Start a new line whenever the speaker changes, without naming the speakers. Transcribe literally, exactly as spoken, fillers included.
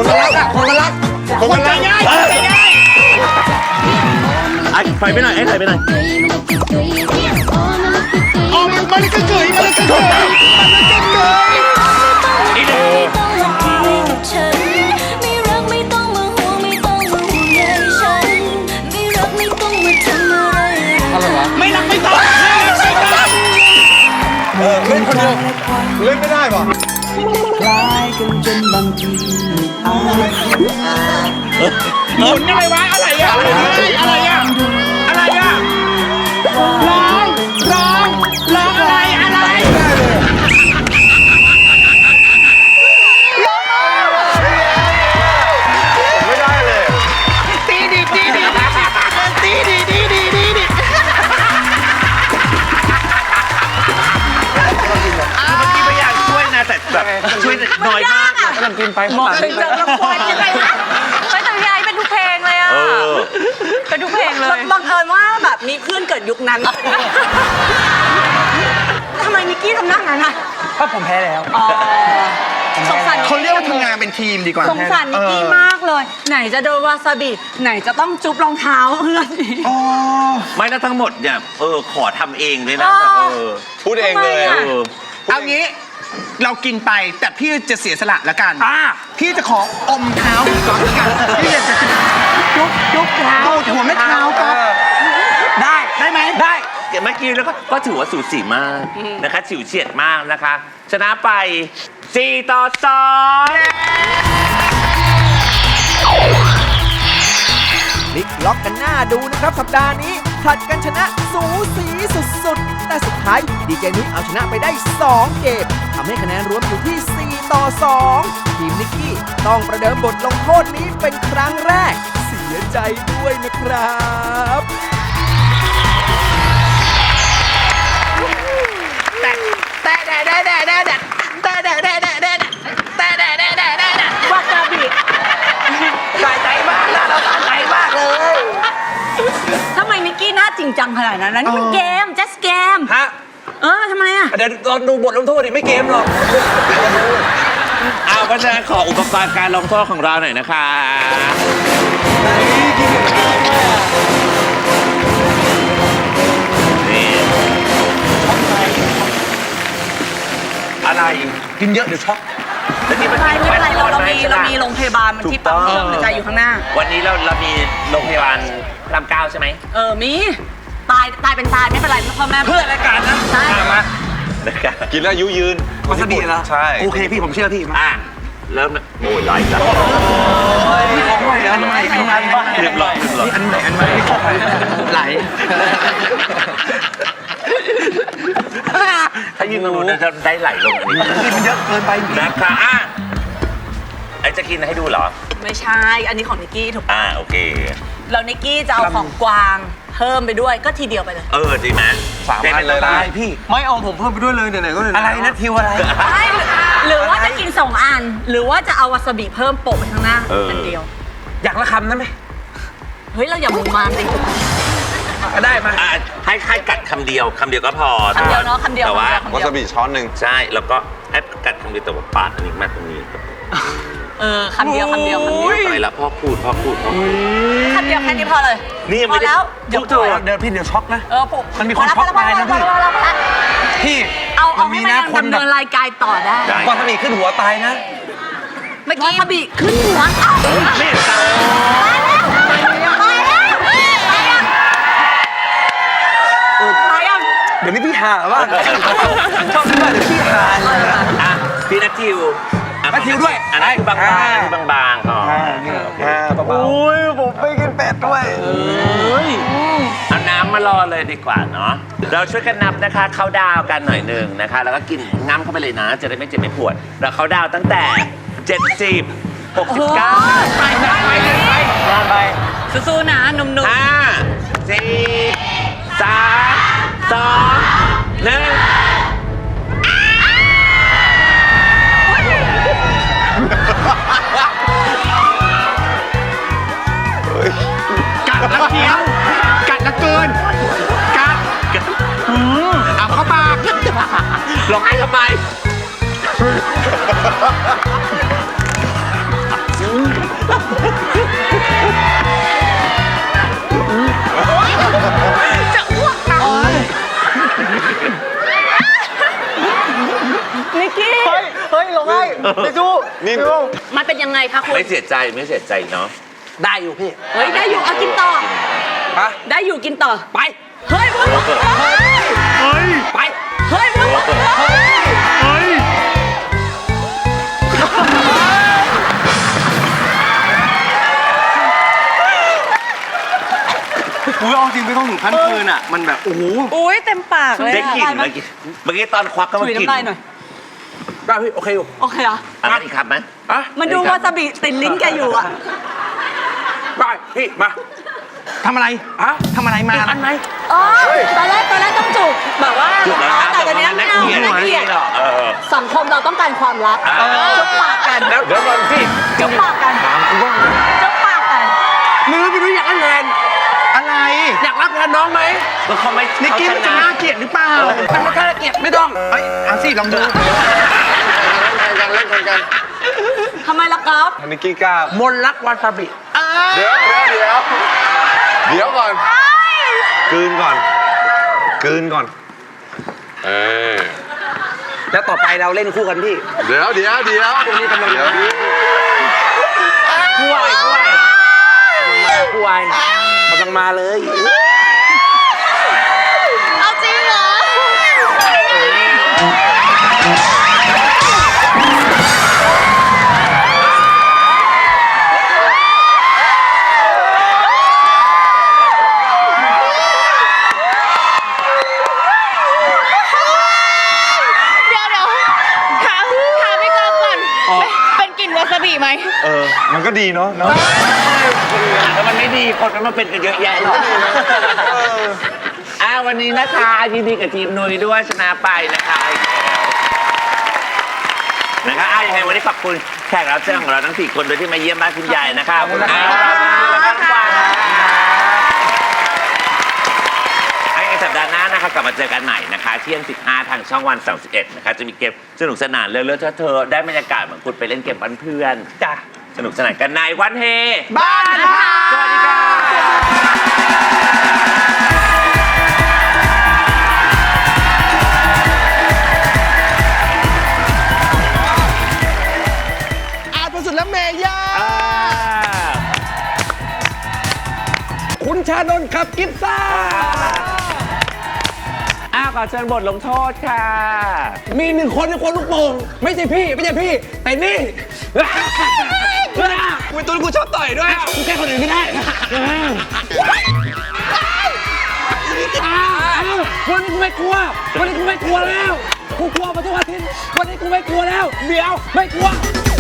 คนมันรักอ่ะคนมันรักคนมันรักง่ายง่ายไอ้ถอยไปหน่อยไอ้ถอยไปหน่อยอ๋อมันมันก็เกยมันก็เกยมันก็เกยอีเด้อ
ไม่รักไม่ต้องมาห่วงไม่ต้องมาห่วงใยฉันไม่รักไม่ต้องมาทำอะไรอะไรวะ
ไม่รักไม่ต้องเออเล่นคนเดียวเล่นไม่ได้ป่ะ
คล้ายกันจนบางทีอาจ
หมุนอะไรวะอะไรอะอะไรอะอะไรอะร้องร้องร้องอะไรอะไรไม่ได้เลยตีดิตีดิตีดิตีดิตีดิเมื่อกี้พยายามช่วยนะแต่แบบช่วยน้อยมากกำลังกินไปหมดเลยจะละครยังไงนะ
ไม่แต่พี่ไอ้เป็นทุกเพลงเลยอ่ะเป็นทุกเพลงเลย
บังเอิญว่าแบบมีเพื่อนเกิดยุคนั้นทำไมนิกกี้ทำหน้างั้นอ่ะ
ก็ผมแพ้แล้ว
สงสาร
เขาเรียกว่าทำงานเป็นทีมดีกว่า
สงสารนิกกี้มากเลย ไหนจะโดนวาซาบิไหนจะต้องจุ๊บรองเท้าเพื่อนอีก
ไม่แล้วทั้งหมดเนี่ยเออขอทำเองเลยนะเออ
พูดเองเลย
เอางี้เรากินไปแต่พี่จะเสียสละละกันพี่จะขออมเท้าก่อนละกันพี่จะจุ๊บจุ๊บเท้าหัวไม่เท้าก็ได้ได้ไหมได้
เมื่อกี้แล้วก็ก็ถือว่าสูสีมากนะคะฉิวเฉียดมากนะคะชนะไปสี่ต่อสอง
พลิกล็อกกันหน้าดูนะครับสัปดาห์นี้ผลัดกันชนะสูสีสุดๆแต่สุดท้ายดีเจนุ้ยเอาชนะไปได้สองเกมทำให้คะแนนรวมอยู่ที่สี่ต่อสองทีมนิกกี้ต้องประเดิมบทลงโทษนี้เป็นครั้งแรกเสียใจด้วยนะครับ
แต่แต่แต่แต่แต่แต่แต่แต่แต่แต่แต่แต่แต่แต่แต่แต่แต่วาซาบิสะใจมากนะเราสะใจมากเลย
ทำไมนิกกี้หน้าจริงจังขนาดนั้นนี่มันเกม just เกม
ฮะ
เออทำไมอ่ะ
เดี๋ยวเราดูบทลงโทษดิไม่เกมหรอก
เอาเพราะฉะนั้นขออุปกรณ์การลงโทษของเราหน่อยนะคะอะไร
กินเยอะเดี๋ยวช็อก
ไม่เป็นไรไม่เป็นไรเราเรามีเรามีโรงพยาบาลมันที่ปั๊มเครื่องหัวใจอยู่ข้างหน้า
วันนี้เราเรามีโรงพยาบาลพระรามเก้าใช่ไหม
เออมีตายตายเป็นตายไม่เป็นไรพ่อแม่
เพื่อรายการนะ
ใช่
มา
กินแล้วยุยืน
วาซาบิเหรอ
ใช่
โอเคพี่ผมเชื่อพี่
อ่ะเริ่มโอ้ยไหลแล้ว
นี่ของใหม่อันใหม่อันใหม่
เรียบร้อย
นี่อันใหม่อันใหม่ไม่ของใหม่ไหล
ถ้ายืนตรงนู้นจะได้ไหลลงนี่
มันเยอะเกินไป
นะคะอ่ะไอจะกินให้ดูเหรอ
ไม่ใช่อันนี้ของนิกกี้ถูก
อ่าโอเค
แล้วนิกกี้จะเอาของกวางเพิ่มไปด้วยก็ทีเดียวไปเลย
เออดีไหม
สามอันเลยนะ
พี่ไม่เอาผมเพิ่มไปด้วยเลยไหนๆก็อะไรนะทิวอะไร
หรือว่าจะกินสองอันหรือว่าจะเอาวาซาบิเพิ่มโปะไปข้างหน้าอันเดียว
อยากละคำนั้นไหม
เฮ้ยเราอย่ามุมมามดิ
ได้มา
ให้ให้กัดคำเดียวคำเดียวก็พอ
คำเดียวเนาะคำเดียว
แต่ว่
าวาซาบิช้อนหนึ่ง
ใช่แล้วก็ให้กัดคำเดียวแต่ว่าปาดอันนี้มาตรงนี้
เออคำเดียวคำเดียวคำเดียว
ไปแล้วพ่อพูดพ่อพูดพ่อพูด
คำเดียวแค่นี้พอเลย
นี่
พอแล้ว
เดี๋ยวเดี๋ยวพี่เดี๋ยวช็อกนะ
เออปุ๊บ
มันมีคนช็อกตายนะพี่พี่
เอาเอาให้มันดำเนินรายการต่อได้
วาซาบิขึ้นหัวตายนะ
เมื่อกี้วาซาบิขึ้นหัว
ไม่ตาย
เดี๋ยวนี้พี่หาว่าชอบพี่ว่าเดี๋ยวพี่หา
อ่ะพี่นัททิว
นัททิวด้วย
อันนั้นคือบางๆคือบางๆอ๋อ
โอ้ยผมไม่กินเป็ดด้วย
เอาน้ำมารอเลยดีกว่าเนาะเราช่วยกันนับนะคะเข้าดาวกันหน่อยหนึ่งนะคะแล้วก็กินง้ำเข้าไปเลยนะจะได้ไม่เจ็บไม่ปวดเราเข้าดาวตั้งแต่เจ็ดสิบ หกสิบเก้า
ไปไปไปไปไปสู้ๆนะหนุ่มๆ
ห้าสี่สามสองหนึ่ง
กัดแล้วเคี้ยวกัดแล้วเกินกัดเอาเข้าปาก
ร้องไห้ทำไม
จะอ้วกนะนิกกี้
เฮ้ย เฮ้ยลงให้เดี๋ยวดู
นี่
มันเป็นยังไงคะคุณ
ไม่เสียใจไม่เสียใจเนาะ
ได้อยู่พี่
เฮ้ย ได้อยู่เอากินต่อ
ฮะ
ได้อยู่กินต่อ
ไป
เฮ้ยวุ้น
เฮ้ย ไป
เฮ้ยวุ้น
เฮ้ย
กูเอาจริงไม่ต้องถึงขั้นคืนอ่ะ มันแบบ โอ้โห
อุ้ยเต็มปากเลย
ได้
อะ
กลิ่นเมื่อกี้เมื่อกี้ตอนควักก็มา
ถุย
กลิ่น
น้ำลายหน่อย
ได้พี่ โอเคอยู่
โอเคเหรอ
อันนั้นอีกครับไหม
อ่ะ
มันดูวาซาบิติดลิ้นแกอยู่อะ
ได้พี่ มา
ทำอะไร
อ่ะ
ทำอะไรมา
อันไหน
อ๋อตอนแรกตอนแรกต้องจูบแบบว่า
จุดแล้วนะ
แต่ตอนนี้ไม่เอา
เกลียด
ไม่เกลียด
หรอกเออ
สังคมเราต้องการความรัก
เออ
จุบปากกัน
แล้วเดี๋ยวก่อนพี่
จุบปากกันจุบปากกัน
มือพี่นุ้ยอยากรับแทน
อะไร
อยากรับแทนน้องไหม
ก็เขาไม่
นิกกี้
เขา
มัน
ช
จะ
นะ
น่าเกลียดหรือเปล่า
มันไม่ค่าเกลียดไม่ต้อง
เอ้ยเอาสิ ลองดู
เล่นแข่งกัน
ทำไมล่ะก๊อฟ
นิกกี้กล้าม
นรักวาซาบิ
เดี๋ยวเดี๋ยวเดี๋ยวเดี๋ยวก่อนกลืนก่อนกลืนก่อนเออ
แล้วต่อไปเราเล่นคู่กันพี่
เดี๋ยวเดี๋ยวเดี๋ยว
ตรงนี้กำลัง
เดี๋ยว
คู่ไอ้คู่ไอ้คู่ไอ้กำลังมาเลย
เอาจริงเหรอ
เดี๋ยวเดี๋ยวถามถามพี่กอฟก่อน เป็นกลิ่นวาซาบิไหม
เออมันก็ดีเนาะเนาะ
แล้วมันไม่ดีคนมันมาเป็นกันเยอะแยะหรอกอ่าวันนี้นะคะยินดีกับทีมนุ้ยด้วยชนะไปนะคะนะคะอ่ะยังไงวันนี้ขอบคุณแขกรับเชิญของเราทั้งสี่คนโดยที่มาเยี่ยมบ้านคุณยายนะคะขอบคุณค่ะในสัปดาห์หน้านะคะกลับมาเจอกันใหม่นะคะเที่ยงสิบห้าทางช่องวันสามสิบเอ็ดนะคะจะมีเกมสนุกสนานเรื่อยๆถ้าเธอได้บรรยากาศเหมือนคุณไปเล่นเกมบ้านเพื่อน
จ้ะ
สนุกสนานกันในวันเฮ
บ้านพา
สวัสดีค่ะ
อาจประสุดและเมย่า
คุณชานนท์ขับกิฟซ่า
อ้าวขอเชิญบทลงโทษค่ะ
มีหนึ่งคนที่ควรลูกโป่งไม่ใช่พี่ ไม่ใช่พี่ แต่นี่เป็นตัวที่กูชอบต่อยด้วยกูแค่คนอื่นไม่ได้วันนี้กูไม่กลัว วันนี้กูไม่กลัวแล้ว กูกลัวมาทุกอาทิตย์วันนี้กูไม่กลัวแล้ว เดี๋ยว ไม่กลัว